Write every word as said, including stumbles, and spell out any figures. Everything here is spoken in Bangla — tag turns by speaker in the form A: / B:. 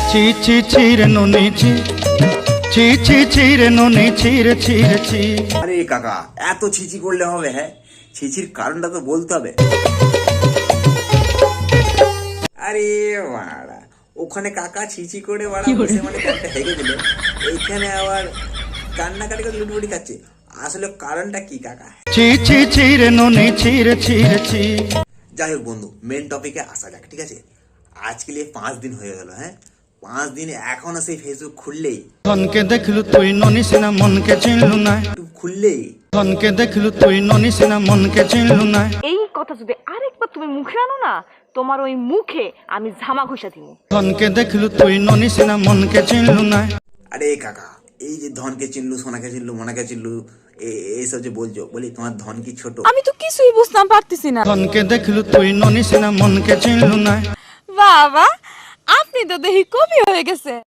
A: ছি ছি ছি রে ননি ছি ছি ছি ছি রে ননি ছি রে ছি রে ছি।
B: আরে কাকা এত ছিচি করলে হবে? হ্যাঁ, ছিচির কারণটা তো বলতে হবে। আরে বাড়া, ওখানে কাকা ছিচি করে বাড়া বসে মানে কানটা হেগে দিল, এইখানে আবার কান্নাকাটি করে লুটবুটি খাচ্ছে। আসলে কারণটা কি কাকা?
A: ছি ছি ছি রে ননি ছি রে ছি রে ছি।
B: যাই হোক বন্ধু, মেন টপিকে আসা যাক, ঠিক আছে? আজকে পাঁচ দিন হয়ে গেল, হ্যাঁ, পাঁচ দিন এখনো সেই ফেসবুক খুললেই,
A: ধনকে দেখলু তুই ননি সিনা মনকে চিনলু না,
B: ইউটিউব খুললেই
A: ধনকে দেখলু তুই ননি সিনা মনকে চিনলু না।
C: এই কথা যদি আরেকবার তুমি মুখে আনো না, তোমার ওই মুখে আমি ঝামা ঘষা দিব।
A: ধনকে দেখলু তুই ননি সিনা মনকে চিনলু না।
B: আরে কাকা, এই যে ধনকে চিনলু, সোনাকে চিনলু, মোনাকে চিনলু, এইসব যে বলছো, বলি তোমার ধন কি ছোট?
D: আমি তো কিছুই বুঝতাম পারতেছি না।
A: ধনকে দেখলু তুই ননি সিনা মনকে চিনলু না।
D: বাবা, আপনি তো দেখি কবি হয়ে গেছে।